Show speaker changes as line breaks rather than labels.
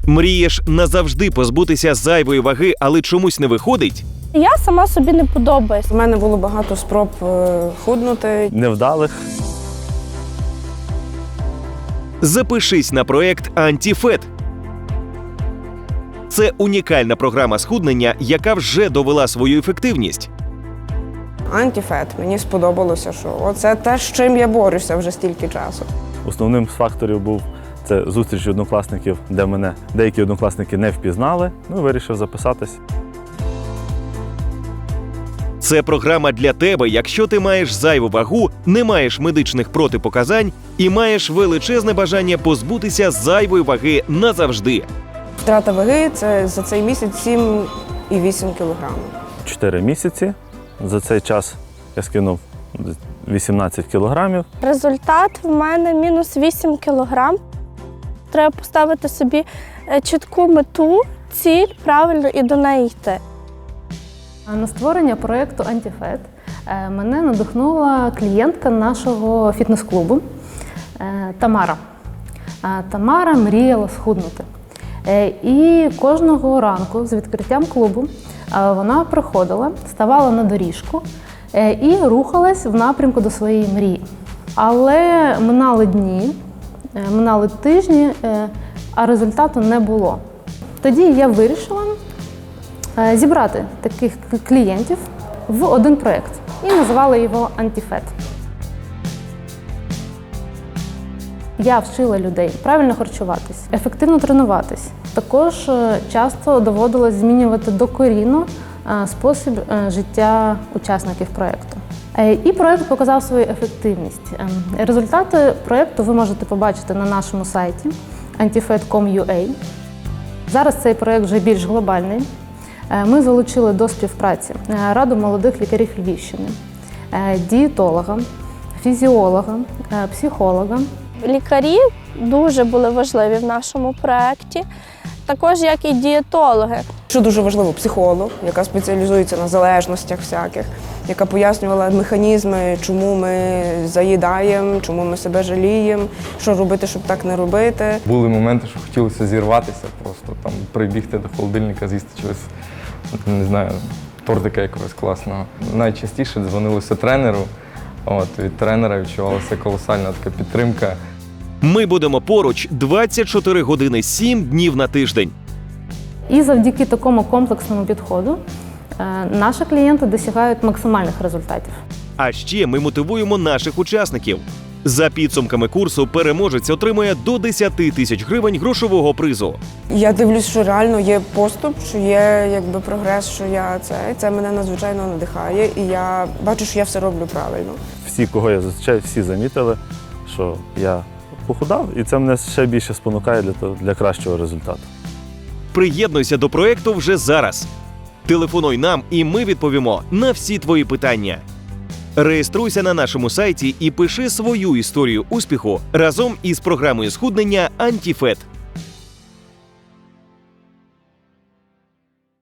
Мрієш назавжди позбутися зайвої ваги, але чомусь не виходить?
Я сама собі не подобаюсь.
У мене було багато спроб худнути.
Невдалих.
Запишись на проект «Антифет». Це унікальна програма схуднення, яка вже довела свою ефективність.
Антифет. Мені сподобалося, що оце те, з чим я борюся вже стільки часу.
Основним з факторів був це зустріч однокласників, де мене деякі однокласники не впізнали. Ну, вирішив записатись.
Це програма для тебе, якщо ти маєш зайву вагу, не маєш медичних протипоказань і маєш величезне бажання позбутися зайвої ваги назавжди.
Втрата ваги – це за цей місяць 7,8 кілограмів.
4 місяці. За цей час я скинув 18 кілограмів.
Результат в мене мінус 8 кілограм. Треба поставити собі чітку мету, ціль, правильно і до неї йти.
На створення проєкту «Антифет» мене надихнула клієнтка нашого фітнес-клубу Тамара. Тамара мріяла схуднути. І кожного ранку з відкриттям клубу вона приходила, ставала на доріжку і рухалась в напрямку до своєї мрії. Але минали дні, минали тижні, а результату не було. Тоді я вирішила зібрати таких клієнтів в один проєкт і називала його «Антифет». Я вчила людей правильно харчуватись, ефективно тренуватись. Також часто доводилось змінювати докорінно спосіб життя учасників проєкту. І проєкт показав свою ефективність. Результати проєкту ви можете побачити на нашому сайті antifet.com.ua. Зараз цей проєкт вже більш глобальний. Ми залучили до співпраці Раду молодих лікарів Львівщини, дієтолога, фізіолога, психолога.
Лікарі дуже були важливі в нашому проєкті, також як і дієтологи.
Що дуже важливо, психолог, яка спеціалізується на залежностях всяких, яка пояснювала механізми, чому ми заїдаємо, чому ми себе жаліємо, що робити, щоб так не робити.
Були моменти, що хотілося зірватися, просто там прибігти до холодильника, з'їсти чогось, не знаю, тортика якогось класного. Найчастіше дзвонилося тренеру, від тренера відчувалася колосальна така підтримка.
Ми будемо поруч 24 години 7 днів на тиждень.
І завдяки такому комплексному підходу наші клієнти досягають максимальних результатів.
А ще ми мотивуємо наших учасників. За підсумками курсу переможець отримує до 10 тисяч гривень грошового призу.
Я дивлюсь, що реально є поступ, що є прогрес, що це мене надзвичайно надихає, і я бачу, що я все роблю правильно.
Всі, кого я зустрічаю, всі замітили, що я похудав, і це мене ще більше спонукає для кращого результату.
Приєднуйся до проєкту вже зараз. Телефонуй нам, і ми відповімо на всі твої питання. Реєструйся на нашому сайті і пиши свою історію успіху разом із програмою схуднення «Антифет».